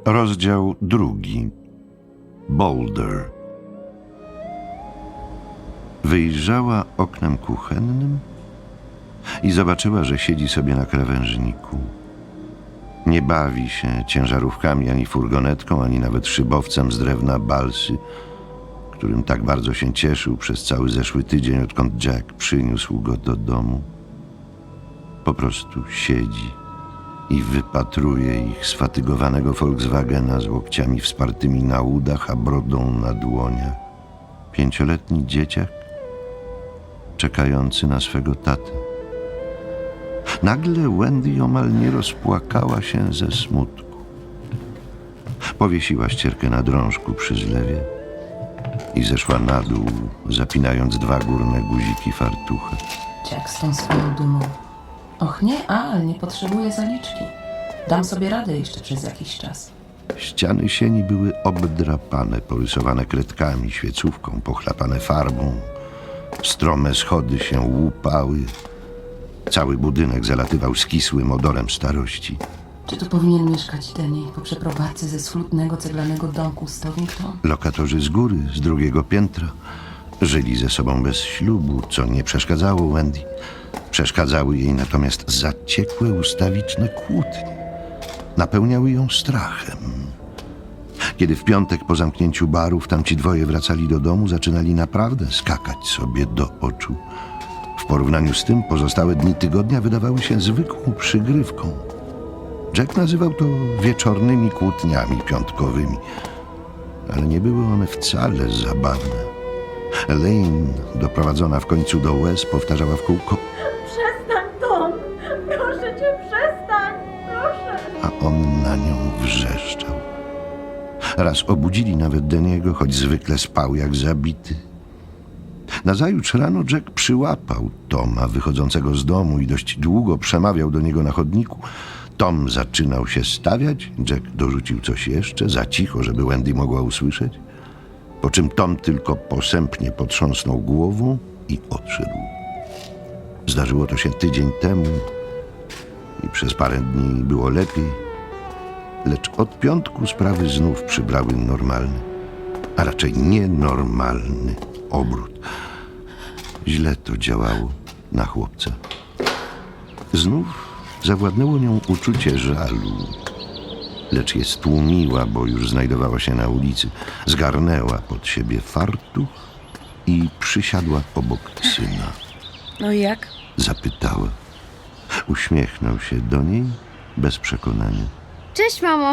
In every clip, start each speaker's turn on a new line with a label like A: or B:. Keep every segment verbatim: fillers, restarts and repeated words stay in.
A: Rozdział drugi. Boulder. Wyjrzała oknem kuchennym i zobaczyła, że siedzi sobie na krawężniku. Nie bawi się ciężarówkami, ani furgonetką, ani nawet szybowcem z drewna balsy, którym tak bardzo się cieszył przez cały zeszły tydzień, odkąd Jack przyniósł go do domu. Po prostu siedzi i wypatruje ich sfatygowanego Volkswagena z łokciami wspartymi na udach, a brodą na dłoniach. Pięcioletni dzieciak czekający na swego tatę. Nagle Wendy omal nie rozpłakała się ze smutku. Powiesiła ścierkę na drążku przy zlewie i zeszła na dół, zapinając dwa górne guziki fartucha.
B: Jack z tą swoją dumą. Och nie, ale nie potrzebuję zaliczki. Dam sobie radę jeszcze przez jakiś czas.
A: Ściany sieni były obdrapane, porysowane kredkami, świecówką, pochlapane farbą. Strome schody się łupały. Cały budynek zalatywał skisłym odorem starości.
B: Czy tu powinien mieszkać Denny po przeprowadzce ze schludnego ceglanego domku z Stonington?
A: Lokatorzy z góry, z drugiego piętra, żyli ze sobą bez ślubu, co nie przeszkadzało Wendy. Przeszkadzały jej natomiast zaciekłe ustawiczne kłótnie. Napełniały ją strachem. Kiedy w piątek po zamknięciu barów tamci dwoje wracali do domu, zaczynali naprawdę skakać sobie do oczu. W porównaniu z tym pozostałe dni tygodnia wydawały się zwykłą przygrywką. Jack nazywał to wieczornymi kłótniami piątkowymi, ale nie były one wcale zabawne. Elaine, doprowadzona w końcu do łez, powtarzała w kółko:
C: Przestań, Tom! Proszę cię, przestań! Proszę!
A: A on na nią wrzeszczał. Raz obudzili nawet Denny'ego, choć zwykle spał jak zabity. Nazajutrz rano Jack przyłapał Toma wychodzącego z domu i dość długo przemawiał do niego na chodniku. Tom zaczynał się stawiać, Jack dorzucił coś jeszcze, za cicho, żeby Wendy mogła usłyszeć, po czym Tom tylko posępnie potrząsnął głową i odszedł. Zdarzyło to się tydzień temu i przez parę dni było lepiej, lecz od piątku sprawy znów przybrały normalny, a raczej nienormalny obrót. Źle to działało na chłopca. Znów zawładnęło nią uczucie żalu, lecz je stłumiła, bo już znajdowała się na ulicy. Zgarnęła pod siebie fartuch i przysiadła obok syna.
B: No i jak?
A: Zapytała. Uśmiechnął się do niej bez przekonania.
C: Cześć, mamo!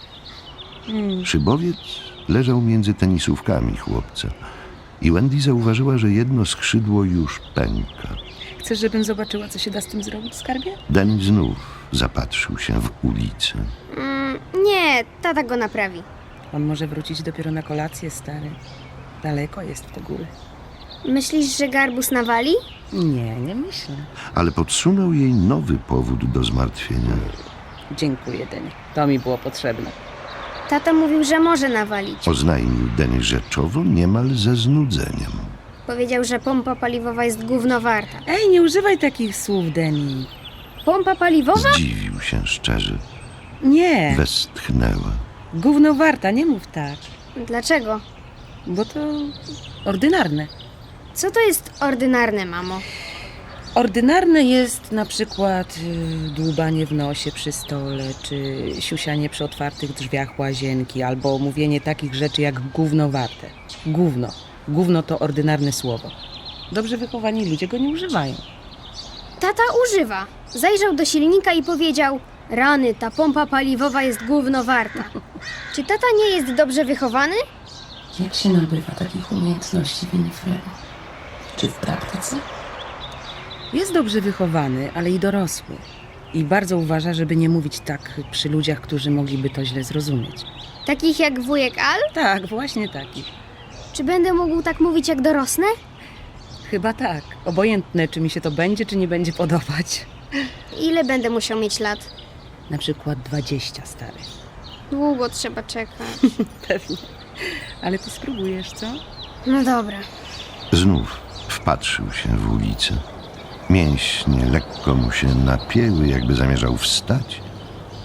A: Szybowiec leżał między tenisówkami chłopca i Wendy zauważyła, że jedno skrzydło już pęka.
B: Chcesz, żebym zobaczyła, co się da z tym zrobić, skarbie?
A: Danny znów zapatrzył się w ulicę.
C: Mm, nie, tata go naprawi.
B: On może wrócić dopiero na kolację, stary. Daleko jest w te góry.
C: Myślisz, że garbus nawali?
B: Nie, nie myślę.
A: Ale podsunął jej nowy powód do zmartwienia.
B: Dziękuję, Denny. To mi było potrzebne.
C: Tata mówił, że może nawalić.
A: Oznajmił Danny rzeczowo, niemal ze znudzeniem.
C: Powiedział, że pompa paliwowa jest gówno warta.
B: Ej, nie używaj takich słów, Denny.
C: Pompa paliwowa?
A: Zdziwił się szczerze.
B: Nie,
A: Westchnęła.
B: gówno warta, nie mów tak.
C: Dlaczego?
B: Bo to ordynarne.
C: Co to jest ordynarne, mamo?
B: Ordynarne jest na przykład y, dłubanie w nosie przy stole, czy siusianie przy otwartych drzwiach łazienki, albo mówienie takich rzeczy jak gówno warte. Gówno. Gówno to ordynarne słowo. Dobrze wychowani ludzie go nie używają.
C: Tata używa. Zajrzał do silnika i powiedział: rany, ta pompa paliwowa jest gówno warta. Czy tata nie jest dobrze wychowany?
B: Jak się nabywa takich umiejętności, Winifredo? Czy w praktyce? Jest dobrze wychowany, ale i dorosły. I bardzo uważa, żeby nie mówić tak przy ludziach, którzy mogliby to źle zrozumieć.
C: Takich jak wujek Al?
B: Tak, właśnie takich.
C: Czy będę mógł tak mówić, jak dorosnę?
B: Chyba tak. Obojętne, czy mi się to będzie, czy nie będzie podobać.
C: Ile będę musiał mieć lat?
B: Na przykład dwadzieścia, stary.
C: Długo trzeba czekać.
B: Pewnie. Ale ty spróbujesz, co?
C: No dobra.
A: Znów wpatrzył się w ulicę. Mięśnie lekko mu się napięły, jakby zamierzał wstać,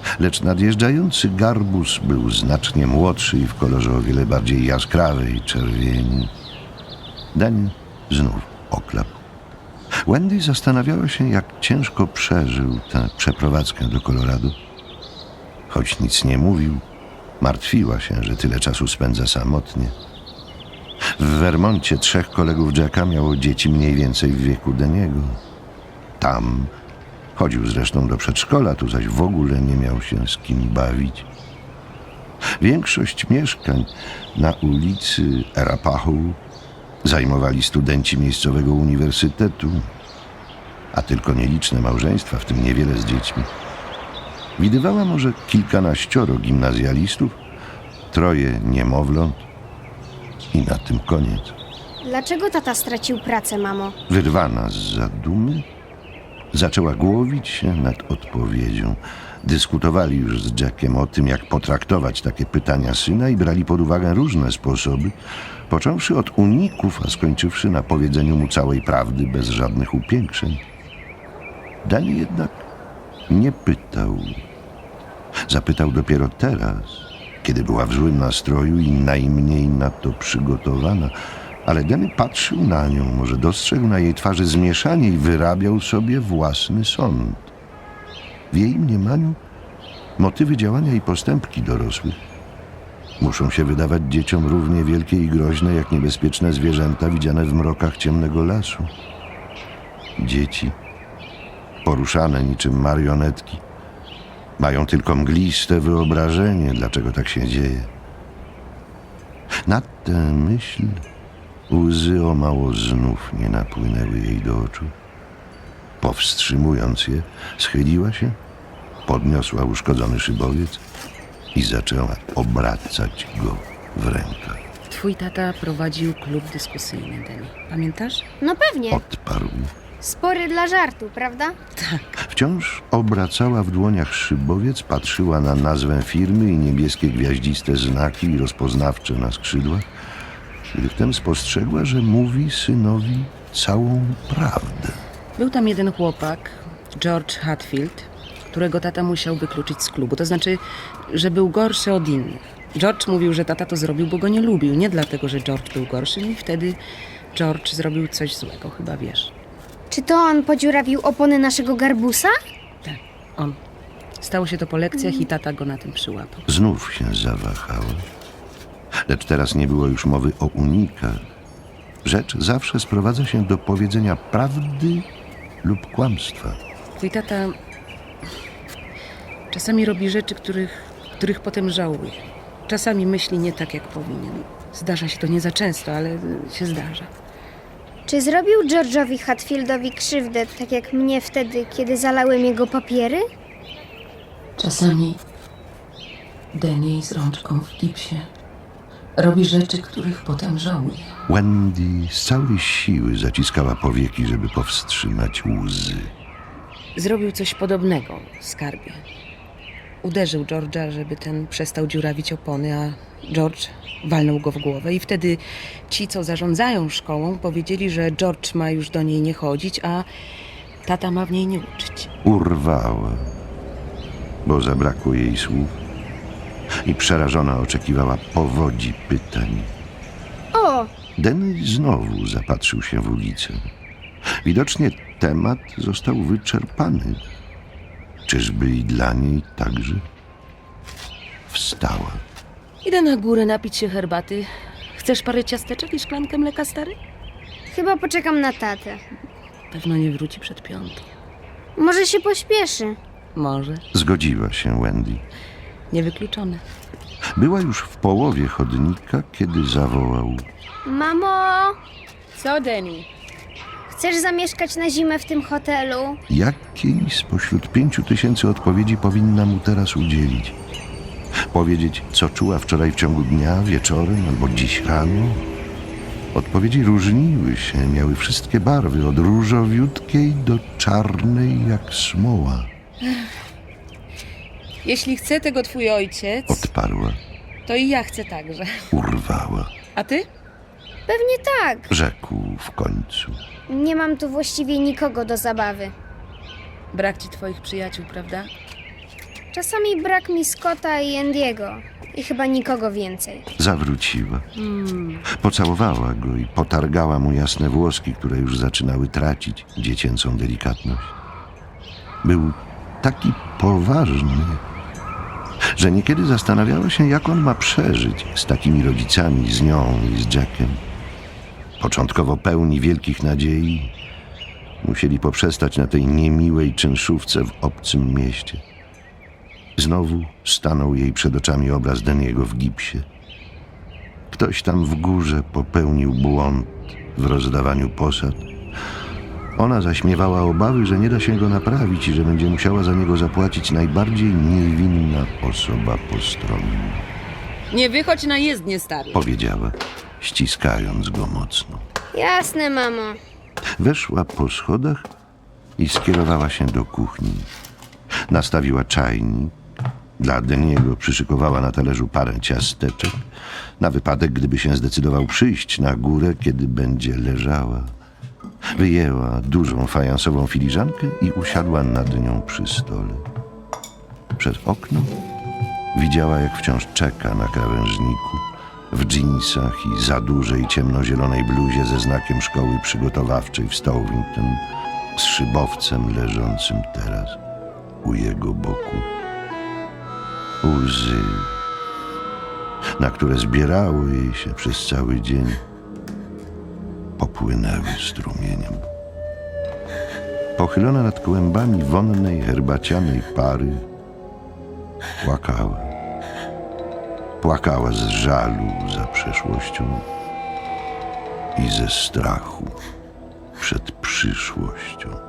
A: Lecz nadjeżdżający garbus był znacznie młodszy i w kolorze o wiele bardziej jaskrawej czerwieni. Danny znów oklapł. Wendy zastanawiała się, jak ciężko przeżył tę przeprowadzkę do Colorado. Choć nic nie mówił, martwiła się, że tyle czasu spędza samotnie. W Vermoncie trzech kolegów Jacka miało dzieci mniej więcej w wieku Danny'ego. Tam chodził zresztą do przedszkola, tu zaś w ogóle nie miał się z kim bawić. Większość mieszkań na ulicy Arapahoe zajmowali studenci miejscowego uniwersytetu, a tylko nieliczne małżeństwa, w tym niewiele z dziećmi. Widywała może kilkanaścioro gimnazjalistów, troje niemowląt i na tym koniec.
C: Dlaczego tata stracił pracę, mamo?
A: Wyrwana z zadumy, zaczęła głowić się nad odpowiedzią. Dyskutowali już z Jackiem o tym, jak potraktować takie pytania syna i brali pod uwagę różne sposoby, począwszy od uników, a skończywszy na powiedzeniu mu całej prawdy bez żadnych upiększeń. Danny jednak nie pytał. Zapytał dopiero teraz, kiedy była w złym nastroju i najmniej na to przygotowana, ale Danny patrzył na nią, może dostrzegł na jej twarzy zmieszanie i wyrabiał sobie własny sąd. W jej mniemaniu motywy działania i postępki dorosłych muszą się wydawać dzieciom równie wielkie i groźne jak niebezpieczne zwierzęta widziane w mrokach ciemnego lasu. Dzieci, poruszane niczym marionetki, mają tylko mgliste wyobrażenie, dlaczego tak się dzieje. Na tę myśl łzy o mało znów nie napłynęły jej do oczu. Powstrzymując je, schyliła się, podniosła uszkodzony szybowiec i zaczęła obracać go w rękach.
B: Twój tata prowadził klub dyskusyjny, Danny. Pamiętasz?
C: No pewnie.
A: Odparł.
C: Spory dla żartu, prawda?
A: Wciąż obracała w dłoniach szybowiec, patrzyła na nazwę firmy i niebieskie gwiaździste znaki rozpoznawcze na skrzydłach, gdy wtem spostrzegła, że mówi synowi całą prawdę.
B: Był tam jeden chłopak, George Hatfield, którego tata musiał wykluczyć z klubu. To znaczy, że był gorszy od innych. George mówił, że tata to zrobił, bo go nie lubił. Nie dlatego, że George był gorszy. I wtedy George zrobił coś złego, chyba wiesz.
C: Czy to on podziurawił opony naszego garbusa?
B: Tak, on. Stało się to po lekcjach i tata go na tym przyłapał.
A: Znów się zawahała. Lecz teraz nie było już mowy o unikach. Rzecz zawsze sprowadza się do powiedzenia prawdy lub kłamstwa.
B: Twój tata czasami robi rzeczy, których, których potem żałuje. Czasami myśli nie tak, jak powinien. Zdarza się to nie za często, ale się zdarza.
C: Czy zrobił George'owi Hatfieldowi krzywdę, tak jak mnie wtedy, kiedy zalałem jego papiery?
B: Czasami Danny z rączką w gipsie robi rzeczy, których potem żałuje.
A: Wendy z całej siły zaciskała powieki, żeby powstrzymać łzy.
B: Zrobił coś podobnego, skarbie. Uderzył George'a, żeby ten przestał dziurawić opony, a George walnął go w głowę. I wtedy ci, co zarządzają szkołą, powiedzieli, że George ma już do niej nie chodzić, a tata ma w niej nie uczyć.
A: Urwała, bo zabrakło jej słów i przerażona oczekiwała powodzi pytań.
C: O,
A: Danny znowu zapatrzył się w ulicę. Widocznie temat został wyczerpany. Czyżby i dla niej także? Wstała.
B: Idę na górę napić się herbaty. Chcesz parę ciasteczek i szklankę mleka, stary?
C: chyba poczekam na tatę.
B: Pewno nie wróci przed piątą.
C: Może się pośpieszy.
B: Może.
A: Zgodziła się Wendy.
B: Niewykluczone.
A: Była już w połowie chodnika, kiedy zawołał.
C: Mamo,
B: Co, Danny?
C: chcesz zamieszkać na zimę w tym hotelu?
A: Jakiej spośród pięciu tysięcy odpowiedzi powinna mu teraz udzielić? Powiedzieć, co czuła wczoraj w ciągu dnia, wieczorem albo dziś rano? Odpowiedzi różniły się, miały wszystkie barwy, od różowiutkiej do czarnej jak smoła.
B: Jeśli chce tego twój ojciec,
A: Odparła,
B: to i ja chcę także.
A: urwała.
B: A ty?
C: Pewnie tak.
A: Rzekł w końcu.
C: Nie mam tu właściwie nikogo do zabawy.
B: Brak ci twoich przyjaciół, prawda?
C: Czasami brak mi Scotta i Andiego. I chyba nikogo więcej.
A: Zawróciła. Pocałowała go i potargała mu jasne włoski, które już zaczynały tracić dziecięcą delikatność. Był taki poważny, że niekiedy zastanawiała się, jak on ma przeżyć z takimi rodzicami, z nią i z Jackiem. Początkowo pełni wielkich nadziei, musieli poprzestać na tej niemiłej czynszówce w obcym mieście. Znowu stanął jej przed oczami obraz Deniego w gipsie. Ktoś tam w górze popełnił błąd w rozdawaniu posad. Ona zaśmiewała obawy, że nie da się go naprawić i że będzie musiała za niego zapłacić najbardziej niewinna osoba postronna.
B: Nie wychodź na jezdnię, stary.
A: Powiedziała, ściskając go mocno.
C: Jasne, mamo.
A: Weszła po schodach i skierowała się do kuchni. Nastawiła czajnik. Dla Deniego przyszykowała na talerzu parę ciasteczek, na wypadek, gdyby się zdecydował przyjść na górę, kiedy będzie leżała. Wyjęła dużą fajansową filiżankę i usiadła nad nią przy stole. Przez okno widziała, jak wciąż czeka na krawężniku, w dżinsach i za dużej ciemnozielonej bluzie ze znakiem szkoły przygotowawczej w Stowington, z szybowcem leżącym teraz u jego boku. Łzy, na które zbierało jej się przez cały dzień, popłynęły strumieniem. Pochylona nad kłębami wonnej, herbacianej pary, płakała. Płakała z żalu za przeszłością i ze strachu przed przyszłością.